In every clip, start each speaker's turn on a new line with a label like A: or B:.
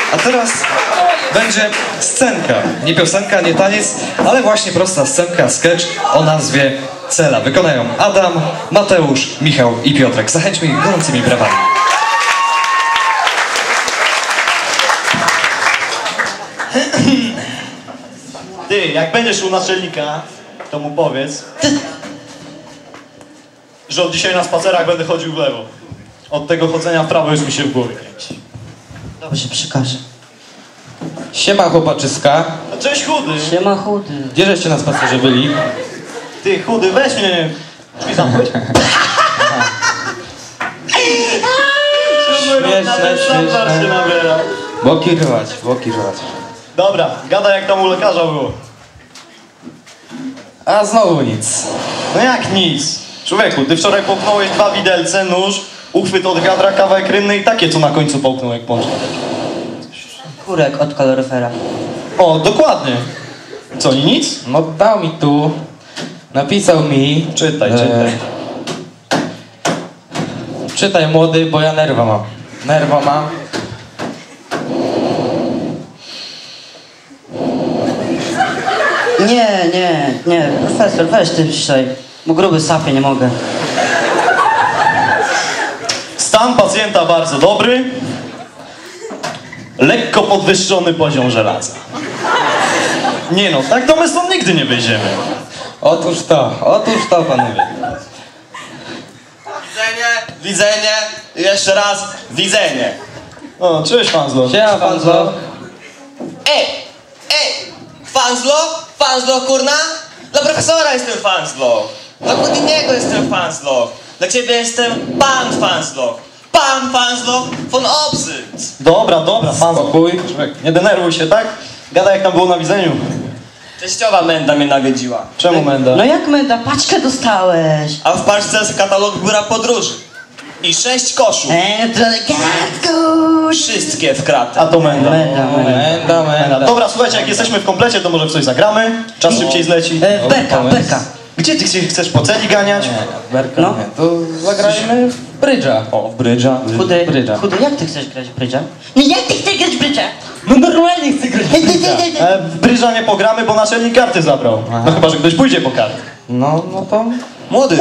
A: A teraz będzie scenka. Nie piosenka, nie taniec, ale właśnie prosta scenka, sketch o nazwie Cela. Wykonają Adam, Mateusz, Michał i Piotrek. Zachęćmy ich gorącymi brawami.
B: Ty, jak będziesz u naczelnika, to mu powiedz, że od dzisiaj na spacerach będę chodził w lewo. Od tego chodzenia w prawo już mi się w głowie kręci.
C: Dobrze, przekażę.
D: Siema chłopaczyska.
B: A cześć chudy!
C: Siema chudy.
D: Gdzie żeście na spacerze byli?
B: Ty chudy, weź mnie! Drzwi zamknąć?
D: Śmieszne. Boki rwać, boki rwać.
B: Dobra, gadaj jak tam u lekarza było.
D: A znowu nic.
B: No jak nic? Człowieku, ty wczoraj połknąłeś 2 widelce, nóż, uchwyt od wiadra, kawałek rynny i takie co na końcu połknął jak pączka.
C: Kurek od kaloryfera.
B: O, dokładnie. Co, i nic?
D: No dał mi tu. Napisał mi.
B: Czytaj, czytaj.
D: Czytaj młody, bo ja nerwa mam. Nerwa mam.
C: Nie, profesor, weź ty dzisiaj. Bo gruby sapie, nie mogę.
B: Stan pacjenta bardzo dobry. Lekko podwyższony poziom żelaza. Nie no, tak to my stąd nigdy nie wyjdziemy.
D: Otóż to panowie.
E: Widzenie, i jeszcze raz widzenie.
B: O, cześć Fanzlo.
D: Siema Fanzo.
E: Ej, Fanzlo, kurna? Dla profesora jestem Fanzlo. Dla Houdiniego jestem Fanzlo. Dla ciebie jestem pan Fanzlo. Pan Fanzlo von Obsyt.
B: Dobra, Fanzlo.
D: Spokój.
B: Człowiek, nie denerwuj się, tak? Gadaj jak tam było na widzeniu.
E: Teściowa Menda mnie nawiedziła.
B: Czemu Menda?
C: No jak Menda, paczkę dostałeś.
E: A w paczce jest katalog biura podróży. I 6 koszów.
C: To elegancko.
E: Wszystkie w kratę.
B: A to Menda.
D: Menda.
B: Dobra, słuchajcie, jak jesteśmy w komplecie, to może w coś zagramy. Czas szybciej zleci.
C: Berka.
B: Gdzie ty chcesz po celi ganiać?
D: Berka,
C: No.
D: nie. To zagrajmy w brydża.
B: O, w brydża.
C: Chudy, jak ty chcesz grać w brydża? Nie, jak ty chcesz grać w brydża?
D: No normalnie chcę grać w brydża.
B: W brydża nie pogramy, bo naczelnik karty zabrał.
D: Aha.
B: No chyba, że ktoś pójdzie po karty.
D: No to...
B: Młody.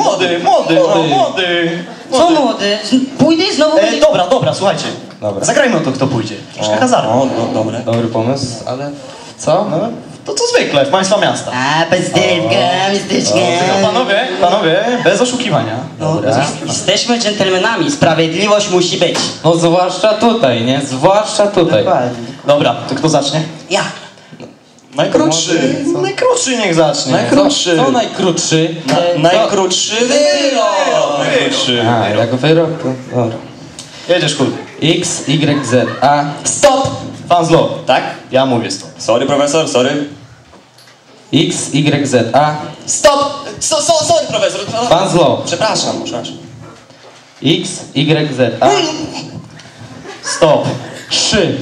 C: Co młody? Pójdę i znowu będzie...
B: Dobra, słuchajcie.
D: Dobra.
B: Zagrajmy o to, kto pójdzie. Troszkę hazardu.
E: No, dobre.
D: Dobry pomysł, ale... Co?
B: No, to co zwykle, w państwa miasta.
C: A, bezdywka, mistyczka.
B: Panowie, bez oszukiwania.
C: Dobra. Jesteśmy dżentelmenami, sprawiedliwość musi być.
D: No zwłaszcza tutaj, nie? Zwłaszcza tutaj.
C: Dokładnie.
B: Dobra, to kto zacznie?
C: Ja.
B: Najkrótszy. Najkrótszy niech zacznie.
E: Najkrótszy.
D: Co najkrótszy?
E: Najkrótszy wyrok.
B: Najkrótszy.
D: A, jak wyrok to... Dobra.
B: Jedziesz chudy.
D: X, Y, Z, A.
E: Stop!
B: Fanzlo.
E: Tak?
B: Ja mówię stop.
E: Sorry, profesor, sorry.
D: X, Y, Z, A.
E: Stop! Sorry, profesor.
D: Fanzlo.
E: Przepraszam.
D: X, Y, Z, A.
B: Stop.
D: 3.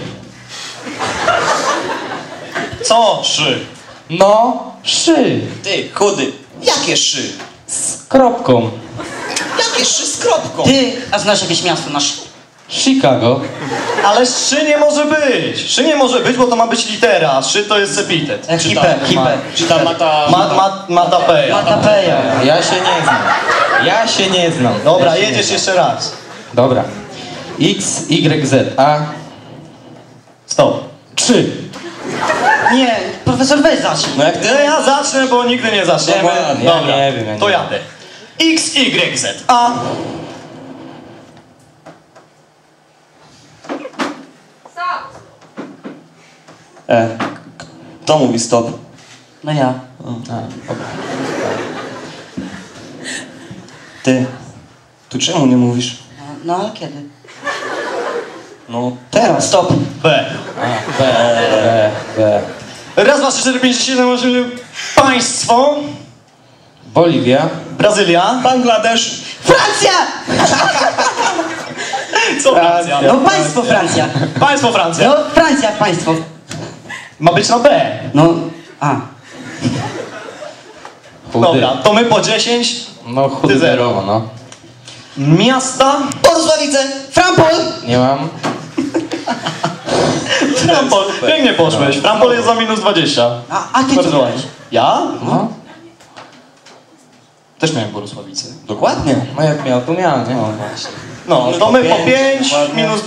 B: Co? 3.
D: No, 3.
E: Ty, chudy. Jakie szy?
D: Z kropką.
E: Jakie szy z kropką?
C: Ty, a znasz jakieś miasto na
D: Chicago.
B: Ale 3 nie może być. 3 nie może być, bo to ma być litera, a 3 to jest epitet.
C: Hipę.
E: Czy ta mata...
B: Matapeja.
C: Matapeja.
D: Ja się nie znam.
B: Dobra, jedziesz jeszcze raz.
D: Dobra. X, Y, Z, A.
B: Stop.
D: 3.
C: Nie, profesor weź zacznij.
E: No jak ty?
B: Ja zacznę, bo nigdy nie zaczniemy.
E: No ładnie,
D: ja
B: Dobra,
D: nie wiem, ja nie
B: to
D: wiem.
B: jadę. X, Y, Z, A.
E: Kto mówi stop?
C: No ja.
E: Ty. Tu czemu nie mówisz?
C: No ale kiedy?
E: No teraz.
C: Stop.
B: B.
D: B.
B: Raz, dwa, trzy, cztery, pięć, sześć, siedem, osiem. Państwo.
D: Boliwia.
B: Brazylia.
E: Bangladesz.
C: Francja!
B: Co Francja?
C: No państwo Francja.
B: Państwo Francja.
C: No Francja, państwo.
B: Ma być na B.
C: No, a.
B: Dobra, to my po 10.
D: No chudy
B: Ty zero.
D: zerowo, no.
B: Miasta.
E: Porusławice.
C: Frampol!
D: Nie mam.
B: Frampol, pięknie poszłeś. Frampol jest za minus 20.
C: A ty
B: Bardzo
C: co
B: ładnie.
C: miałeś?
B: Ja?
D: No.
B: Też miałem Borysławice.
E: Dokładnie.
D: No jak miał, to miał, nie?
B: No, to my po 5, minus